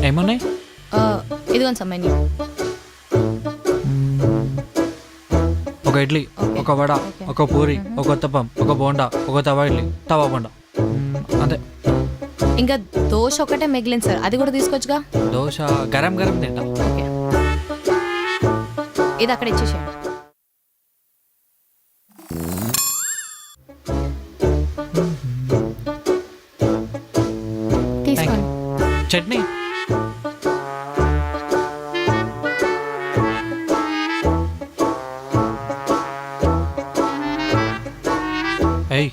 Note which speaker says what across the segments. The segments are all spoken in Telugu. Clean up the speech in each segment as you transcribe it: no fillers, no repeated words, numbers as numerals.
Speaker 1: ఏమున్నాయి?
Speaker 2: ఇదిగోండి సార్ మెన్యూ.
Speaker 1: ఒక ఇడ్లీ, ఒక వడ, ఒక పూరి, ఒక ఉత్తప్పం, ఒక బోండా, ఒక తవా ఇడ్లీ, తవా బోండా, అంతే.
Speaker 2: ఇంకా దోశ ఒకటే మిగిలింది సార్, అది కూడా తీసుకోవచ్చుగా.
Speaker 1: దోశ గరం గరం తింటా.
Speaker 2: ఓకే, ఇది అక్కడ ఇచ్చేసేయండి.
Speaker 3: తీసుకోండి.
Speaker 1: చట్నీ ఏయ్.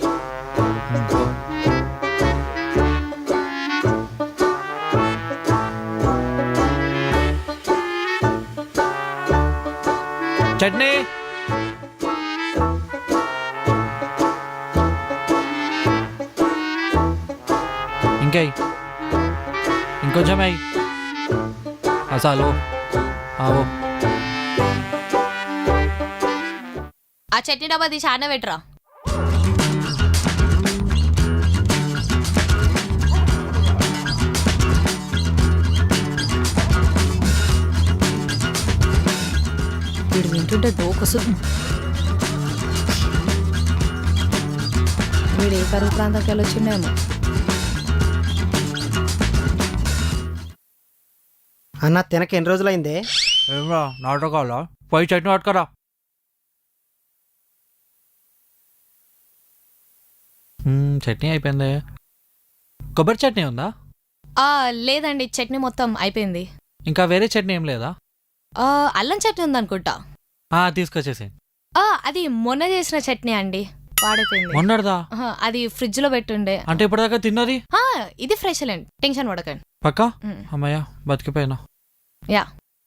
Speaker 1: చట్నీ ఇంకా ఇంకొంచెం అయ్యి అసలు ఆవో.
Speaker 2: ఆ చట్నీ డబ్బా తీసి ఆడ పెట్టరా. వీడు వింటుంటే డోకొస్తుంది. వీడు ఏ కరువు ప్రాంతానికి వెళ్ళొచ్చిండేమో.
Speaker 4: అన్న తినక ఎన్ని రోజులైందే?
Speaker 1: ఏమరా నాటకాలా? పోయి చట్నీ పట్టుకరా. చట్నీ అయిపోయింది. కొబ్బరి చట్నీ ఉందా?
Speaker 2: లేదండి, చట్నీ మొత్తం అయిపోయింది.
Speaker 1: ఇంకా వేరే చట్నీ ఏం లేదా?
Speaker 2: అల్లం చట్నీ ఉందనుకుంటా.
Speaker 1: తీసుకొచ్చేసి.
Speaker 2: అది మొన్న చేసిన చట్నీ అండి, పాడైపోయింది.
Speaker 1: మొన్నటిదా?
Speaker 2: అది ఫ్రిడ్జ్ లో పెట్టుండే.
Speaker 1: అంటే ఇప్పటిదాకా తిన్నది?
Speaker 2: ఇది ఫ్రెష్ లేండి, టెన్షన్ పడకండి.
Speaker 1: పక్కా? అమ్మయ్యా బతికిపోయినా.
Speaker 2: యా,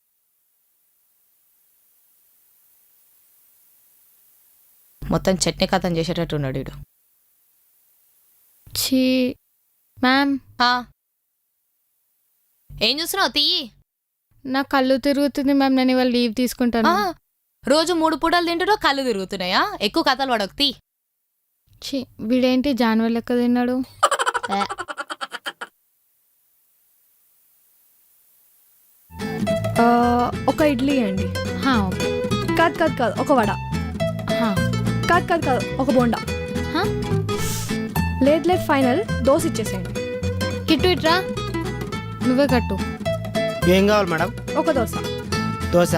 Speaker 2: మొత్తం చట్నీ కథం చేసేటట్టు ఉన్నాడు వీడు.
Speaker 3: ఛీ మ్యామ్,
Speaker 2: ఏం చూస్తున్నావు? తీయి.
Speaker 3: నా కళ్ళు తిరుగుతుంది మ్యామ్, నేను ఇవాళ లీవ్ తీసుకుంటాను.
Speaker 2: రోజు 3 పూటలు తింటున్నావు, కళ్ళు తిరుగుతున్నాయా? ఎక్కువ కథలు పడకు, తీ.
Speaker 3: ఛీ, వీడేంటి జాన్వర్ లెక్క తిన్నాడు.
Speaker 5: ఒక ఇడ్లీ అండి.
Speaker 3: ఓకే.
Speaker 5: కాదు ఒక వడ. కాదు ఒక బోండా. లేదు ఫైనల్ దోశ ఇచ్చేసేయండి.
Speaker 3: కిట్టు ఇట్రా, నువ్వే కట్టు.
Speaker 4: ఏం కావాలి మేడం?
Speaker 5: ఒక దోశ.
Speaker 4: దోశ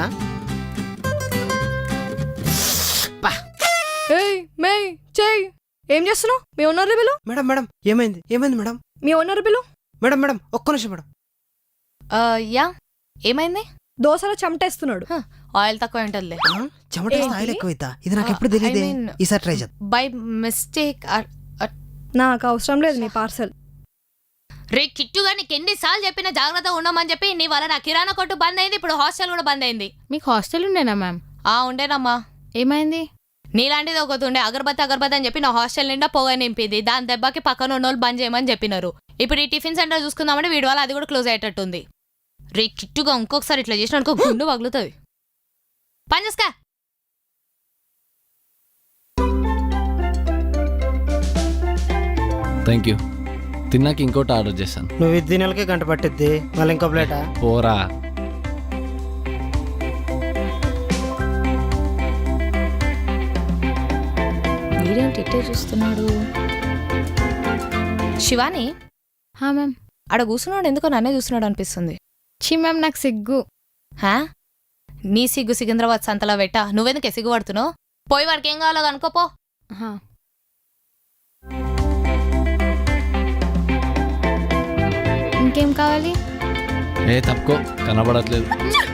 Speaker 5: చెయ్యి. ఏం చేస్తున్నావు? మీ ఓనర్ బిలు.
Speaker 4: మేడం మేడం ఏమైంది మేడం?
Speaker 5: మీ ఓనర్ బిలు.
Speaker 4: మేడం ఒక్క నిమిషం మేడం.
Speaker 2: యా, ఏమైంది?
Speaker 5: దోశలో చెమటేస్తున్నాడు.
Speaker 2: ఆయిల్ తక్కువ ఉంటుందిలే.
Speaker 4: చెమట ఆయిల్ ఎక్కువైతా. ఇది నాకు ఎప్పుడు తెలియదే. ఈసారి ట్రై చేద్దాం.
Speaker 2: By mistake.
Speaker 5: నాకు అవసరం లేదు నీ పార్సల్.
Speaker 2: రే కిట్టుగా, నీకు ఎన్నిసార్లు చెప్పిన జాగ్రత్త ఉండమని చెప్పి, నీ వల్ల నా కిరాణా కొట్టు బంద్ అయింది, ఇప్పుడు హాస్టల్ కూడా బంద్ అయింది.
Speaker 3: మీకు హాస్టల్ ఉండేనా మ్యామ్?
Speaker 2: ఉండేనమ్మా.
Speaker 3: ఏమైంది?
Speaker 2: నీలాంటిది ఒకటి ఉండే, అగరబత్తి అని చెప్పి నా హాస్టల్ నిండా పొగ నింపింది. దాని దెబ్బకి పక్కన ఉన్నోళ్ళు బంద్ చేయమని చెప్పినారు. ఇప్పుడు ఈ టిఫిన్ సెంటర్ చూసుకుందామంటే వీడి వల్ల అది కూడా క్లోజ్ అయ్యేటట్టుంది. రే కిట్టుగా, ఇంకొకసారి ఇట్లా చేసిన అనుకో గుండు పగులుతుంది. పని చేసుకా.
Speaker 6: Thank you. తిన్నాక ఇంకోటి ఆర్డర్ చేశాను.
Speaker 4: నువ్వు ఇది నెలకే గంట పట్టిద్ది, మళ్ళీ ఇంకో ప్లేటా?
Speaker 6: పోరా.
Speaker 2: వీడేంటి ఇట్టే చూస్తున్నాడు? శివాని,
Speaker 3: మ్యామ్.
Speaker 2: ఆడ కూర్చున్నాడు, ఎందుకో నన్నే చూస్తున్నాడు అనిపిస్తుంది.
Speaker 3: ఛీ మ్యామ్, నాకు సిగ్గు.
Speaker 2: నీ సిగ్గు సికింద్రాబాద్ సంతలో పెట్ట. నువ్వెందుకే సిగ్గుపడుతున్నావు? పోయి వాడికి ఏం కావాలో అనుకోపో.
Speaker 3: ఇంకేం కావాలి?
Speaker 6: తప్పుకో, కనబడట్లేదు.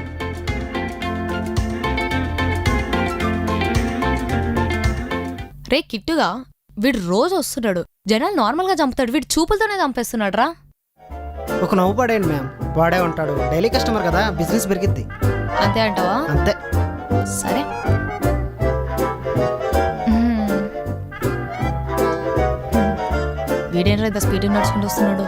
Speaker 2: రే కిట్టుగా, వీడు రోజు వస్తున్నాడు, జనాలు నార్మల్గా చంపుతాడు, వీడు చూపులతోనే చంపేస్తున్నాడు రా.
Speaker 4: ఒక నవ్వు పడేయండి మ్యామ్, వాడే ఉంటాడు, డైలీ కస్టమర్ కదా, బిజినెస్ పెరిగిద్ది.
Speaker 2: అంతే అంటావా?
Speaker 4: అంతే.
Speaker 2: సరే. వీడేంట్రా ఇంత స్పీడ్ నడుచుకుంటూ వస్తున్నాడు?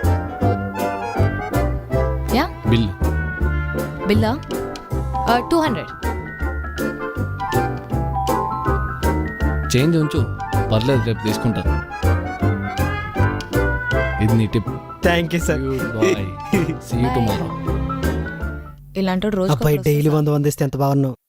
Speaker 2: యా, బిల్లా 200.
Speaker 6: చేంజ్ ఉంచు, పర్లేదు, రేపు తీసుకుంటాను. ఇది నీ tip.
Speaker 4: Thank you sir.
Speaker 6: Bye see you tomorrow.
Speaker 2: ఇలాంటి రోజు
Speaker 4: అబ్బాయి డైలీ 100 ఇస్తే ఎంత బాగున్నావు.